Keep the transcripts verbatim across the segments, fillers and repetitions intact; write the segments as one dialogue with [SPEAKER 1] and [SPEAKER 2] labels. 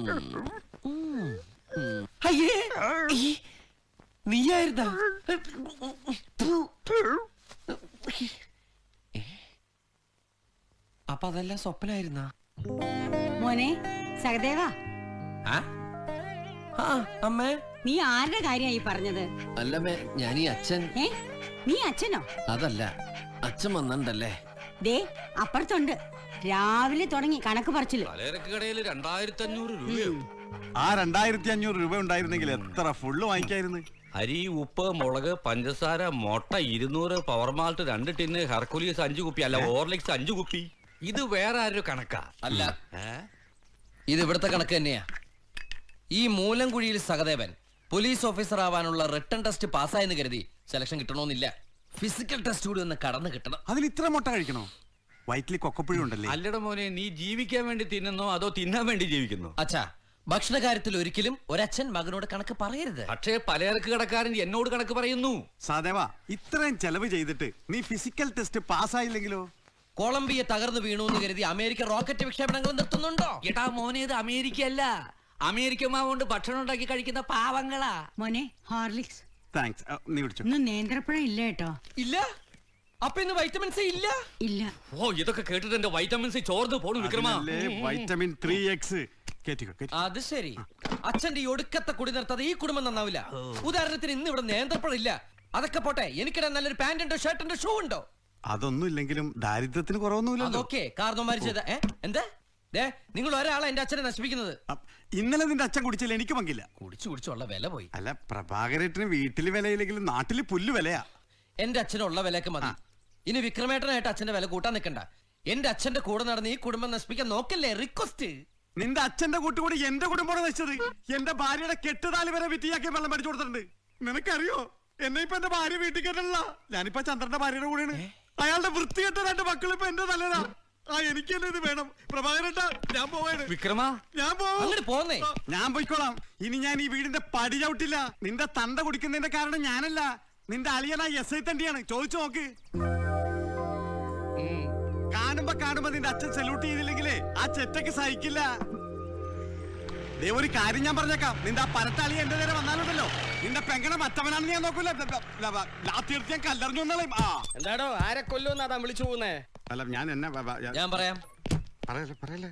[SPEAKER 1] അയ്യേ നീയായിരുന്ന അപ്പൊ അതെല്ലാം സ്വപ്നായിരുന്ന
[SPEAKER 2] മോനെ സഹദേവ.
[SPEAKER 1] അമ്മേ
[SPEAKER 2] നീ ആരുടെ കാര്യമായി പറഞ്ഞത്?
[SPEAKER 1] അല്ലമ്മേ ഞാൻ ഈ അച്ഛൻ.
[SPEAKER 2] ഏ നീ അച്ഛനോ?
[SPEAKER 1] അതല്ല അച്ഛൻ വന്നിട്ടല്ലേ.
[SPEAKER 2] ദേ അപ്പുറത്തുണ്ട്. രാവിലെ തുടങ്ങി കണക്ക് പറച്ചില്.
[SPEAKER 3] കടയിൽ രണ്ടായിരത്തി അഞ്ഞൂറ് രൂപയോ?
[SPEAKER 4] ആ രണ്ടായിരത്തി അഞ്ഞൂറ് രൂപ ഉണ്ടായിരുന്നെങ്കിൽ എത്ര ഫുള്ള് വാങ്ങിക്കായിരുന്നു.
[SPEAKER 3] അരി, ഉപ്പ്, മുളക്, പഞ്ചസാര, മുട്ട ഇരുന്നൂറ്, പവർ മാൾട്ട് രണ്ട് ടിന്ന്, ഹെർക്കുലിയസ് അഞ്ചു കുപ്പി, അല്ല ഓർലിക്സ് അഞ്ചു കുപ്പി. ഇത് വേറെ ആരൊരു കണക്കാ?
[SPEAKER 1] അല്ല, ഇത് ഇവിടുത്തെ കണക്ക് തന്നെയാ. ഈ മൂലംകുഴിയിൽ സഹദേവൻ പോലീസ് ഓഫീസർ ആവാനുള്ള റിട്ടേൺ ടെസ്റ്റ് പാസ്സായെന്ന് കരുതി സെലക്ഷൻ കിട്ടണമെന്നില്ല. ഫിസിക്കൽ ടെസ്റ്റ് കൂടി ഒന്ന് കടന്നു കിട്ടണം.
[SPEAKER 4] അതിന് ഇത്ര മുട്ട കഴിക്കണോ? വയറ്റിൽ കൊക്കപ്പുഴ ഉണ്ടല്ലേ.
[SPEAKER 3] അല്ലട മോനെ, നീ ജീവിക്കാൻ വേണ്ടി തിന്നുന്നോ അതോ തിന്നാൻ വേണ്ടി ജീവിക്കുന്നു?
[SPEAKER 1] അച്ഛാ, ഭക്ഷണ കാര്യത്തിൽ ഒരിക്കലും ഒരച്ഛൻ മകനോട് കണക്ക് പറയരുത്.
[SPEAKER 3] പക്ഷേ പലചരക്ക് കടക്കാരൻ എന്നോട് കണക്ക് പറയുന്നു.
[SPEAKER 4] സഹദേവ, ഇത്രയും ചെലവ് ചെയ്തിട്ട് നീ ഫിസിക്കൽ ടെസ്റ്റ് പാസ്സായില്ലെങ്കിലോ?
[SPEAKER 1] കൊളംബിയ തകർന്നു വീണു എന്ന് കരുതി അമേരിക്ക റോക്കറ്റ് വിക്ഷേപണങ്ങൾ നിർത്തുന്നുണ്ടോ?
[SPEAKER 3] എടാ മോനെ, ഇത് അമേരിക്ക അല്ല. അമേരിക്ക മാവുകൊണ്ട് ഭക്ഷണം ഉണ്ടാക്കി കഴിക്കുന്ന പാവങ്ങളാ.
[SPEAKER 2] മോനെ ഹോർലിക്സ്.
[SPEAKER 4] താങ്ക്സ്. നീ വിളിച്ചു.
[SPEAKER 2] ഇന്ന് നേന്ത്രപ്പഴം ഇല്ല കേട്ടോ.
[SPEAKER 1] ഇല്ല. അപ്പൊ ഇന്ന് വൈറ്റമിൻ സി ഇല്ല.
[SPEAKER 2] ഇല്ല.
[SPEAKER 3] ഓ, ഇതൊക്കെ കേട്ടിട്ട് എന്റെ വൈറ്റമിൻ സി ചോർന്ന് പോണു വിക്രമാ.
[SPEAKER 4] Vitamin three X.
[SPEAKER 1] അത് ശരി. അച്ഛന്റെ ഈ ഒടുക്കത്തെ കുടി നിർത്താതെ ഈ കുടുംബം നന്നാവില്ല. ഉദാഹരണത്തിന് ഇന്ന് ഇവിടെ നേന്ത്രപ്പഴം ഇല്ല. അതൊക്കെ പോട്ടെ, എനിക്കിടാൻ നല്ലൊരു പാന്റ് ഉണ്ടോ, ഷർട്ട് ഉണ്ടോ, ഷൂ ഉണ്ടോ?
[SPEAKER 4] അതൊന്നും ഇല്ലെങ്കിലും ദാരിദ്ര്യത്തിന് കുറവൊന്നുമില്ല.
[SPEAKER 1] അതൊക്കെ കാരണവന്മാര് ചെയ്ത എന്താ? നിങ്ങൾ ഒരാളെ എന്റെ അച്ഛനെ നശിപ്പിക്കുന്നത്.
[SPEAKER 4] ഇന്നലെ നിന്റെ അച്ഛൻ കുടിച്ചില്ല, എനിക്ക് പങ്കില്ല.
[SPEAKER 1] കുടിച്ചു കുടിച്ചുള്ള വില പോയി.
[SPEAKER 4] അല്ല, പ്രഭാകരേട്ടന് വീട്ടില് വിലയില്ലെങ്കിലും നാട്ടില് പുല്ല് വിലയാ.
[SPEAKER 1] എന്റെ അച്ഛനുള്ള വിലക്ക് മതി. ഇനി വിക്രമേട്ടനായിട്ട് അച്ഛന്റെ വില കൂട്ടാൻ നിൽക്കണ്ട. എന്റെ അച്ഛന്റെ കൂടെ നടന്ന് ഈ കുടുംബം നശിപ്പിക്കാൻ നോക്കല്ലേ. റിക്വസ്റ്റ്.
[SPEAKER 4] നിന്റെ അച്ഛന്റെ കൂട്ടുകൂടി എന്റെ കുടുംബമാണ് നശിച്ചത്. എന്റെ ഭാര്യയുടെ കെട്ടുതാലി വരെ വിറ്റിയാക്കി വെള്ളം പഠിച്ചു കൊടുത്തിട്ടുണ്ട്. നിനക്കറിയോ, എന്നെ ഇപ്പൊ എന്റെ ഭാര്യ വീട്ടിൽ കേട്ടല്ല. ഞാനിപ്പോ ചന്ദ്രന്റെ ഭാര്യയുടെ കൂടെയാണ്. അയാളുടെ വൃത്തികെട്ട രണ്ട് മക്കളിപ്പോ എന്റെ തലേനാ. ആ എനിക്ക് തന്നെ ഇത് വേണം. പ്രഭാകരേട്ടാ, ഞാൻ പോവാണ്.
[SPEAKER 3] വിക്രമാ,
[SPEAKER 4] ഞാൻ
[SPEAKER 1] പോന്നേ.
[SPEAKER 4] ഞാൻ പോയിക്കോളാം. ഇനി ഞാൻ ഈ വീടിന്റെ പടി ചവിട്ടില്ല. നിന്റെ തന്ത കുടിക്കുന്നതിന്റെ കാരണം ഞാനല്ല, നിന്റെ അളിയനാ എസ് ഐ തണ്ടിയാണ്. ചോദിച്ചു നോക്ക്. കാണുമ്പോ കാണുമ്പോ നിന്റെ അച്ഛൻ സല്യൂട്ട് ചെയ്തില്ലെങ്കിലേ ആ ചെറ്റക്ക് സഹിക്കില്ല. ദേ ഒരു കാര്യം ഞാൻ പറഞ്ഞേക്കാം. നിന്റെ ആ പരട്ടാളി എന്റെ നേരെ വന്നാലുണ്ടല്ലോ, നിന്റെ പെങ്ങടെ മറ്റവനാണെന്ന് ഞാൻ നോക്കൂല. ലാത്തിയെടുത്ത് ഞാൻ കല്ലെറിഞ്ഞു വന്നാളെ.
[SPEAKER 5] എന്താടോ, ആരെ കൊല്ലുന്നാ താൻ വിളിച്ചു പോകുന്നേ?
[SPEAKER 4] അല്ല, ഞാൻ എന്നെ
[SPEAKER 1] ഞാൻ പറയാം.
[SPEAKER 4] പറയല്ലേ പറയല്ലേ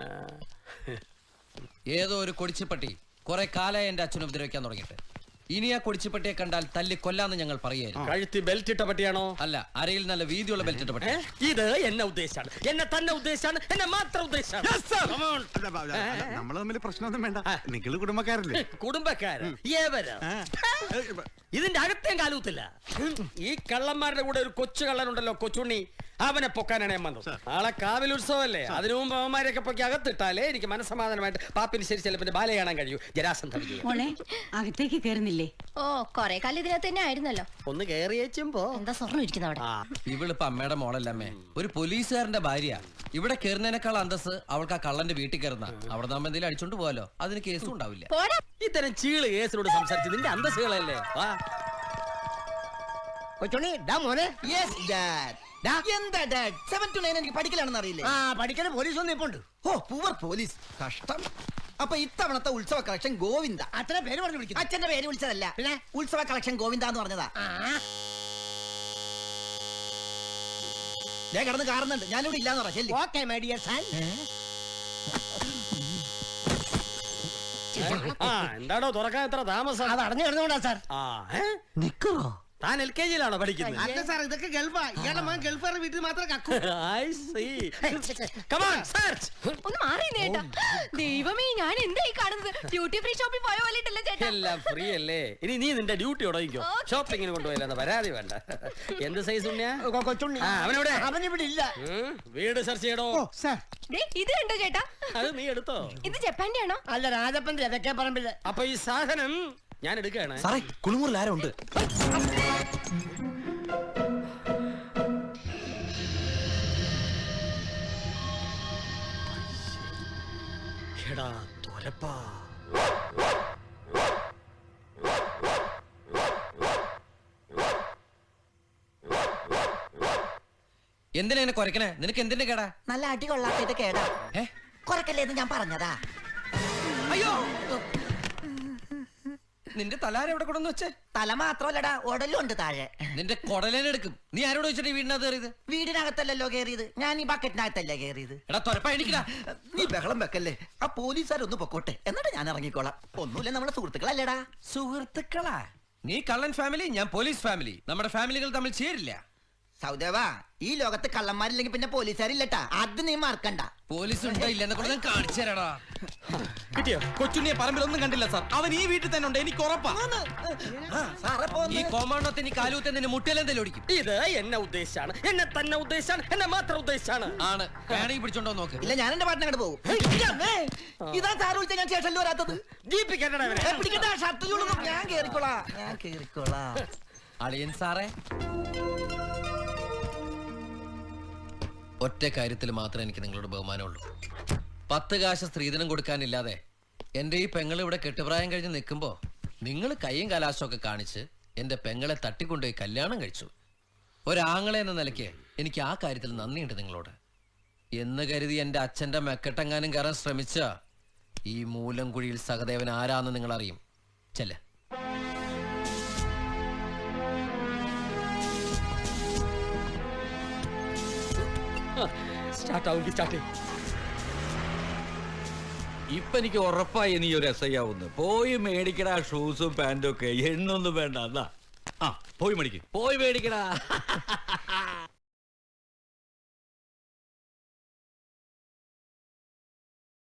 [SPEAKER 1] ഏതോ ഒരു കൊടിച്ചിപ്പട്ടി കുറെ കാലമായി എന്റെ അച്ഛനെ ഉപദ്രവിക്കാൻ തുടങ്ങിയിട്ട്. ഇനി ആ കൊടിച്ചിപ്പട്ടിയെ കണ്ടാൽ തല്ലി കൊല്ലാന്ന് ഞങ്ങൾ പറയായിരുന്നു.
[SPEAKER 5] കഴുത്തി ബെൽറ്റ് ഇട്ട പട്ടിയാണോ?
[SPEAKER 1] അല്ല, അരയിൽ നല്ല വീതിയുള്ള ബെൽറ്റ് ഇട്ട പട്ടി.
[SPEAKER 5] ഇത് എന്നെ ഉദ്ദേശാണ്, എന്നെ തന്നെ ഉദ്ദേശാണ്, എന്നെ മാത്രം ഉദ്ദേശാണ്.
[SPEAKER 4] നമ്മൾ തമ്മിൽ പ്രശ്നമൊന്നും വേണ്ട. നിങ്ങൾ കുടുംബക്കാരല്ലേ?
[SPEAKER 5] കുടുംബക്കാരൻ ഇതിന്റെ അകത്തേം കാലൂത്തില്ല. ഈ കള്ളന്മാരുടെ കൂടെ ഒരു കൊച്ചു കള്ളനുണ്ടല്ലോ, കൊച്ചുണ്ണി, അവനെ പൊക്കാനാണ് ഞാൻ വന്നത്. നാളെ കാവിൽ ഉത്സവമല്ലേ, അതിനു മുമ്പ് അവന്മാരെയൊക്കെ പൊക്കി അകത്തിട്ടാലേ എനിക്ക് മനസ്സമാധാനമായിട്ട് പാപ്പിന് ശരി ചിലപ്പോ ബാല കാണാൻ കഴിയൂ. ജരാസന്ധ
[SPEAKER 2] മോളെ അകത്തേക്ക് കയറുന്നില്ലേ?
[SPEAKER 6] ഓ, കൊറേ കാലം ഇതിനകത്ത് തന്നെ ആയിരുന്നല്ലോ.
[SPEAKER 5] ഒന്ന് കയറിയേച്ചുമ്പോ
[SPEAKER 6] എന്താ സ്വർണ്ണം ഇരിക്കുന്ന അവിടെ?
[SPEAKER 1] ഇവളിപ്പോ അമ്മയുടെ മോളല്ലമ്മേ, ഒരു പോലീസുകാരന്റെ ഭാര്യ. ഇവിടെ കയറുന്നതിനേക്കാൾ അന്തസ് അവൾക്ക് ആ കള്ളന്റെ വീട്ടിൽ കയറുന്ന. അവിടെ നമ്മൾ എന്തെങ്കിലും അടിച്ചോണ്ട് പോവാലോ, അതിന് കേസും ഉണ്ടാവില്ല.
[SPEAKER 5] ഇത്തരം ചീള് കേസിനോട് സംസാരിച്ച് നിന്റെ അന്തസ്സുകളല്ലേ.
[SPEAKER 7] പഠിക്കലാണെന്ന് അറിയില്ലേ?
[SPEAKER 5] ആ പഠിക്കണ പോലീസ് ഒന്നും ഇപ്പൊ ഉണ്ട്.
[SPEAKER 7] Oh, poor police. കഷ്ടം. അപ്പൊ ഇത്തവണത്തെ ഉത്സവ കളക്ഷൻ ഗോവിന്ദ.
[SPEAKER 5] അച്ഛന്റെ പേര് പറഞ്ഞു വിളിക്കുന്നു.
[SPEAKER 7] അച്ഛന്റെ പേര് വിളിച്ചതല്ല, പിന്നെ ഉത്സവ കളക്ഷൻ ഗോവിന്ദ എന്ന് പറഞ്ഞതാ. ഞാൻ കിടന്ന് കാണുന്നുണ്ട്, ഞാനിവിടെ ഇല്ലാന്ന് പറ. ശരി,
[SPEAKER 5] ഓക്കേ മൈ ഡിയർ സൺ. എന്താണോ തുറക്കാൻ എത്ര താമസം?
[SPEAKER 7] അത് അടഞ്ഞു കിടന്നുകൊണ്ടാ സാർ.
[SPEAKER 5] നിക്കോ, താൻ എൽ കെ ജിയിലാണോ പഠിക്കുന്നത്?
[SPEAKER 7] അല്ല സാർ, ഇതൊക്കെ ഗൾഫാ. ഇയാളുടെ മകൻ ഗൾഫാരുടെ വീട്ടിൽ മാത്രം കക്കൂ.
[SPEAKER 6] ഒന്ന് മാറി നേട്ടാ. ദൈവമേ, ഞാൻ എന്തായി കാണുന്നത്? ഡ്യൂട്ടി ഫ്രീ ഷോപ്പിൽ പോയ പോലെയല്ല ചേട്ടാ.
[SPEAKER 5] എല്ലാം ഫ്രീ അല്ലേ. ഇനി നീ നിന്റെ ഡ്യൂട്ടി ഉടയിക്കോ. ഷോപ്പിങ്ങിന് കൊണ്ടുപോയില്ല, പരാതി വേണ്ട. എന്ത് സൈസ് ഉണ്ണിയാ? അവനെവിടെ?
[SPEAKER 7] അവനിവിടെ ഇല്ല.
[SPEAKER 5] വീട് സെർച്ച് ചെയ്യണോ?
[SPEAKER 6] ഇത് കണ്ടോ ചേട്ടാ?
[SPEAKER 5] അത് നീ എടുത്തോ?
[SPEAKER 6] ഇത് ജപ്പാന്റെ ആണോ?
[SPEAKER 7] അല്ല, രാജപ്പന്റെ അതൊക്കെ പറമ്പില്ല.
[SPEAKER 5] അപ്പൊ ഈ സാധനം ഞാൻ എടുക്കുകയാണ്.
[SPEAKER 1] സാറേ, കുളിമുറിൽ ആരോ ഉണ്ട്.
[SPEAKER 5] എടാ തൊരപ്പാ,
[SPEAKER 1] എന്തിനാ എന്നെ കുറയ്ക്കണേ? നിനക്ക് എന്തിന്റെ കേടാ?
[SPEAKER 7] നല്ല അടി കൊള്ളാത്ത കേടാ. കൊറക്കല്ലേന്ന് ഞാൻ പറഞ്ഞതാ.
[SPEAKER 1] നിന്റെ തലാര എവിടെ കൊണ്ടെന്ന് വെച്ചേ?
[SPEAKER 7] തല മാത്രമല്ലടാ ഉടലും ഉണ്ട് താഴെ.
[SPEAKER 1] നിന്റെ കൊടലേനെടുക്കും. നീ ആരോട് വെച്ചിട്ട് വീടിനകത്ത് കയറിയത്?
[SPEAKER 7] വീടിനകത്തല്ലല്ലോ കയറിയത്, ഞാൻ ഈ ബക്കറ്റിനകത്തല്ല കയറിയത്.
[SPEAKER 1] എടാ തൊരപ്പ എണിക്കടാ.
[SPEAKER 7] നീ ബഹളം വെക്കല്ലേ, ആ പോലീസുകാരൊന്ന് പൊക്കോട്ടെ, എന്നിട്ട് ഞാൻ ഇറങ്ങിക്കോളാം. ഒന്നുമില്ല, നമ്മളെ സുഹൃത്തുക്കളല്ലേടാ.
[SPEAKER 1] സുഹൃത്തുക്കളാ? നീ കള്ളൻ ഫാമിലി, ഞാൻ പോലീസ് ഫാമിലി. നമ്മുടെ ഫാമിലികൾ തമ്മിൽ ചേരില്ല.
[SPEAKER 7] സൗദേവാ, ഈ ലോകത്ത് കള്ളന്മാരില്ലെങ്കിൽ പിന്നെ പോലീസുകാരില്ലട്ടാ, അത് നീ മറക്കണ്ട.
[SPEAKER 1] പോലീസ് ഉണ്ടോ ഇല്ലെന്നെ കൊണ്ട് ഞാൻ കാണിച്ചു തരാടാ.
[SPEAKER 5] കിട്ടിയോ?
[SPEAKER 8] കൊച്ചുണ്ണിയെ പറമ്പിലൊന്നും കണ്ടില്ല സാർ. അവൻ ഈ വീട്ടിൽ തന്നെ ഉണ്ട്, എനിക്ക് ഉറപ്പാ.
[SPEAKER 7] സാറേ
[SPEAKER 1] ഈ കോമാണ്ടോത്തെ നീ കാലൂത്തെ നിന്റെ മുട്ടിലെന്തെങ്കിലും ഓടിക്കും.
[SPEAKER 5] ഇത് എന്നെ ഉദ്ദേശാണ്, എന്നെ തന്നെ ഉദ്ദേശാണ്, എന്നെ മാത്രം ഉദ്ദേശാണ്.
[SPEAKER 1] ആണ് വേണമെങ്കിൽ പിടിച്ചോണ്ടോ നോക്ക്.
[SPEAKER 7] ഇല്ല, ഞാൻ എന്റെ പാട്ടിനങ്ങോട്ട് പോകും. ഇതാ സാറ് വിളിച്ച ഞാൻ സ്റ്റേഷനിൽ വരാത്തത്.
[SPEAKER 5] ജീപ്പിക്കണ്ടടാ ഇവനെ.
[SPEAKER 7] ഏ, പിടിക്കണ്ട, ഷർട്ട് ചൂടുന്നു. ഞാൻ കേറിക്കോളാം, ഞാൻ കേറിക്കോളാം.
[SPEAKER 1] അളിയൻ സാറേ, ഒറ്റ കാര്യത്തിൽ മാത്രമേ എനിക്ക് നിങ്ങളോട് ബഹുമാനമുള്ളൂ. പത്ത് കാശ് സ്ത്രീധനം കൊടുക്കാനില്ലാതെ എന്റെ ഈ പെങ്ങൾ ഇവിടെ കെട്ടുപ്രായം കഴിഞ്ഞ് നിൽക്കുമ്പോ നിങ്ങൾ കൈയും കലാശമൊക്കെ കാണിച്ച് എന്റെ പെങ്ങളെ തട്ടിക്കൊണ്ടുപോയി കല്യാണം കഴിച്ചു. ഒരാങ്ങളെ എന്ന നിലയ്ക്ക് എനിക്ക് ആ കാര്യത്തിൽ നന്ദിയുണ്ട് നിങ്ങളോട്. എന്ന് കരുതി എന്റെ അച്ഛന്റെ മെക്കെട്ടെങ്ങാനും കയറാൻ ശ്രമിച്ച ഈ മൂലംകുഴിയിൽ സഹദേവൻ ആരാന്ന് നിങ്ങൾ അറിയും. ചെല്ല്.
[SPEAKER 5] സ്റ്റാർട്ട് ആവുമെങ്കിൽ സ്റ്റാർട്ട് ചെയ്യും.
[SPEAKER 3] ഇപ്പൊ എനിക്ക് ഉറപ്പായി നീ ഒരു എസ് ഐ ആവുന്നു. പോയി മേടിക്കടാ ഷൂസും പാന്റും ഒക്കെ, എണ്ണൊന്നും വേണ്ട. എന്നാ ആ പോയി മേടിക്ക്, പോയി മേടിക്കടാ.